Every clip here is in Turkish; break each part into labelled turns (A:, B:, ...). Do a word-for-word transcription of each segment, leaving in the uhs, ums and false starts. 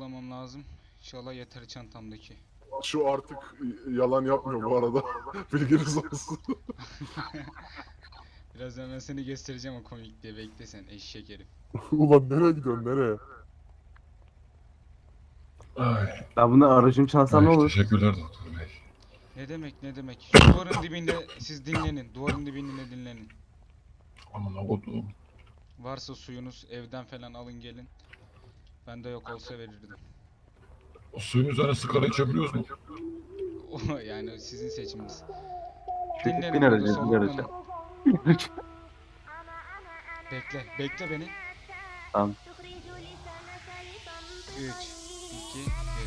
A: toplamam lazım. İnşallah yeter çantamdaki.
B: Şu artık yalan yapmıyor bu arada. Bilginiz olsun.
A: Birazdan ben seni göstereceğim o komik diye, bekle sen eşek herif.
B: Ulan nereye gidiyorsun nereye?
C: Ay,
D: Ben bunu aracım çalsam ne
C: ay
D: olur?
C: teşekkürler doktor bey.
A: Ne demek ne demek. Şu duvarın dibinde siz dinlenin. Duvarın dibinde dinlenin.
C: Aman kodum.
A: Varsa suyunuz evden falan alın gelin. Bende yok olsa verirdim.
C: O suyun üzerine sigara içebiliyoruz mu?
A: O yani sizin seçiminiz.
D: Bin
A: Dinlenin burada
D: aracı, bin
A: soluklanın.
D: aracı.
A: Bekle, bekle beni.
D: Tamam.
A: üç, iki, bir.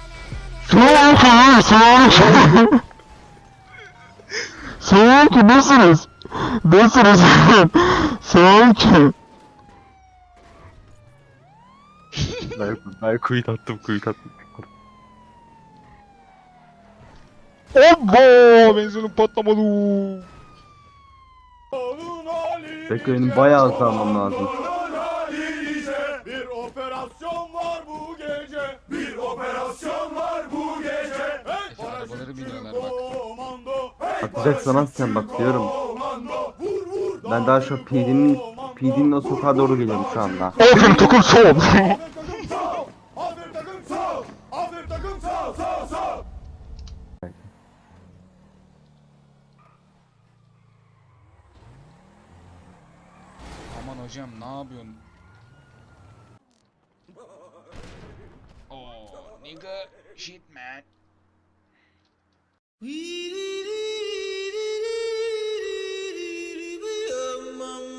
E: Selamünaleyküm. Selamünaleyküm. Nasılsınız? Nasılsınız? Selamünaleyküm.
D: Ben, ben kuyut attım, kuyut attım.
A: Obbo! Benzinim patlamadı.
D: Bekle benim bayağı hızlanmam lazım.
F: Bir operasyon var bu gece. Bir operasyon var bu gece. Hey,
A: Efe, arabaları biniyorlar bak.
F: komando.
D: Atacaksan at sen bak diyorum.
F: Komando. Vur vur.
D: Ben daha şu P D'nin P D'nin o sokağa doğru geliyorum şu anda.
E: Aferin takım sol.
F: Aferin takım sağ. Aferin takım sağ. Aferin takım sağ sağ sağ.
A: Aman hocam ne yapıyorsun? Oh, nigga, shit man.
G: Mama